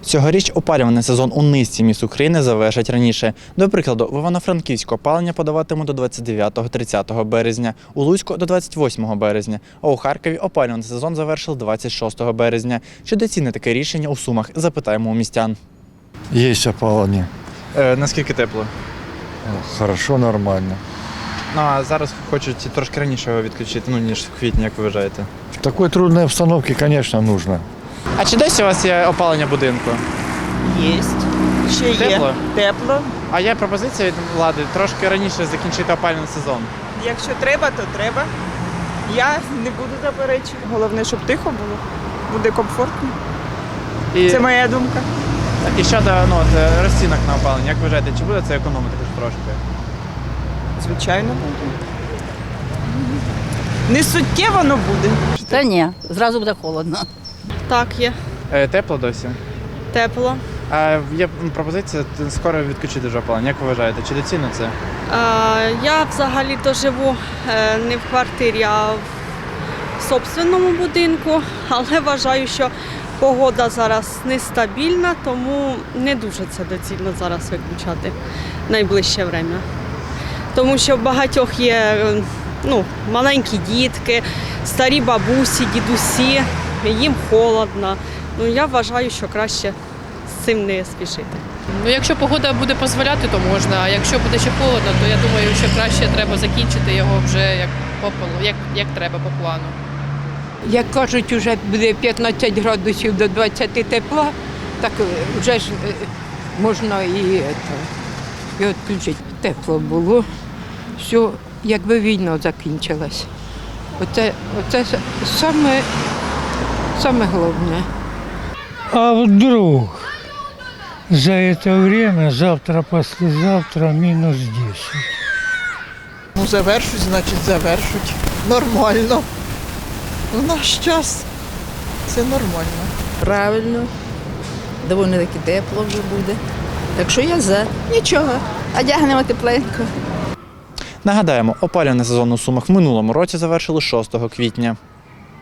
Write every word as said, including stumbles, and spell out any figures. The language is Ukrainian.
Цьогоріч опалювальний сезон у низці міст України завершать раніше. До прикладу, в Івано-Франківську опалення подаватимуть до двадцять дев'ятого - тридцятого березня, у Луцьку – до двадцять восьмого березня, а у Харкові опалювальний сезон завершили двадцять шостого березня. Чи доцільне таке рішення у Сумах? Запитаємо у містян. Є опалення. Е, наскільки тепло? Хорошо, нормально. Ну, а зараз хочуть трошки раніше його відключити, ну, ніж в квітні, як ви вважаєте. В такой трудной обстановке, конечно, нужно. А чи досі у вас є опалення будинку? Єсть. Ще є. Тепло? Тепло. А є пропозиція від влади трошки раніше закінчити опалювальний сезон. Якщо треба, то треба. Я не буду заперечувати. Головне, щоб тихо було. Буде комфортно. І, Це моя думка. і щодо ну, от, розцінок на опалення, як ви вважаєте, чи буде це економити хоч трошки? Звичайно, буде. Не суттєво, але буде. Та ні, зразу буде холодно. Так, є. Е, тепло досі. Тепло. А є пропозиція скоро відключити вже опалення. Як ви вважаєте, чи доцільно це? Е, я взагалі-то живу е, не в квартирі, а в собственному будинку, але вважаю, що погода зараз нестабільна, тому не дуже це доцільно зараз виключати в найближче время. Тому що в багатьох є е, ну, маленькі дітки, старі бабусі, дідусі, їм холодно. Ну, я вважаю, що краще з цим не спішити. Ну, якщо погода буде дозволяти, то можна. А якщо буде ще холодно, то я думаю, що краще треба закінчити його вже як по плану, як, як треба по плану. Як кажуть, вже буде п'ятнадцять градусів до двадцяти тепла, так вже ж е, можна і, це, і відключити. Тепло було, все, якби війна закінчилась. Оце, оце саме, саме головне. А вдруг за это время, завтра-послезавтра, минус десять? Ну, завершуть, значить, завершуть. Нормально. В наш час це нормально. Правильно, доволі таки тепло вже буде. Так що я за. Нічого, одягнемо тепленько. Нагадаємо, опалювальний сезон у Сумах в минулому році завершили шостого квітня.